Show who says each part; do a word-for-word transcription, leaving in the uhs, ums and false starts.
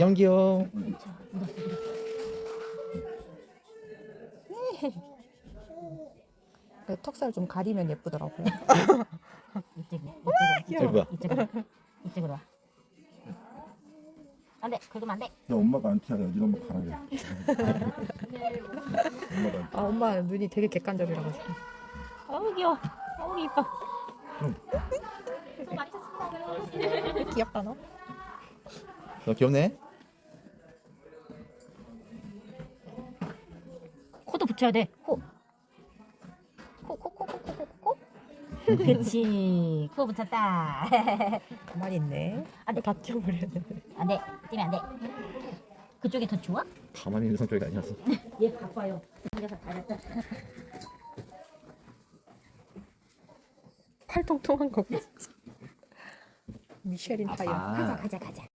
Speaker 1: 연기요.
Speaker 2: 그 턱살 좀 가리면 예쁘더라고요.
Speaker 3: 이쪽으로,
Speaker 1: 저기 뭐야?
Speaker 3: 이쪽으로, 이쪽으로, 이쪽으로 와. 안 돼, 긁으면 안 돼.
Speaker 4: 야, 엄마가 안 티하래. 네 엄마 가라래. 엄마가 안
Speaker 2: 아 엄마 눈이 되게 객관적이라 가지고.
Speaker 3: 어우 귀여워. 어우 이뻐.
Speaker 2: 귀엽다 너.
Speaker 1: 너 귀엽네.
Speaker 3: 코도 붙여야 돼. 코. 코, 코, 코, 코, 코, 코, 코. 그렇지. 코 붙였다.
Speaker 2: 가만히 있네.
Speaker 3: 안 돼.
Speaker 2: 다쳐버렸는데.
Speaker 3: 안 돼. 뛰면 안 돼. 그쪽이 더 좋아?
Speaker 1: 가만히 있는 성격이 아니라서.
Speaker 3: 얘 바빠요. 생겨서 잘했다.
Speaker 2: 팔 통통한 거 보고. 미쉐린 타이어.
Speaker 1: 아.
Speaker 3: 가자, 가자, 가자.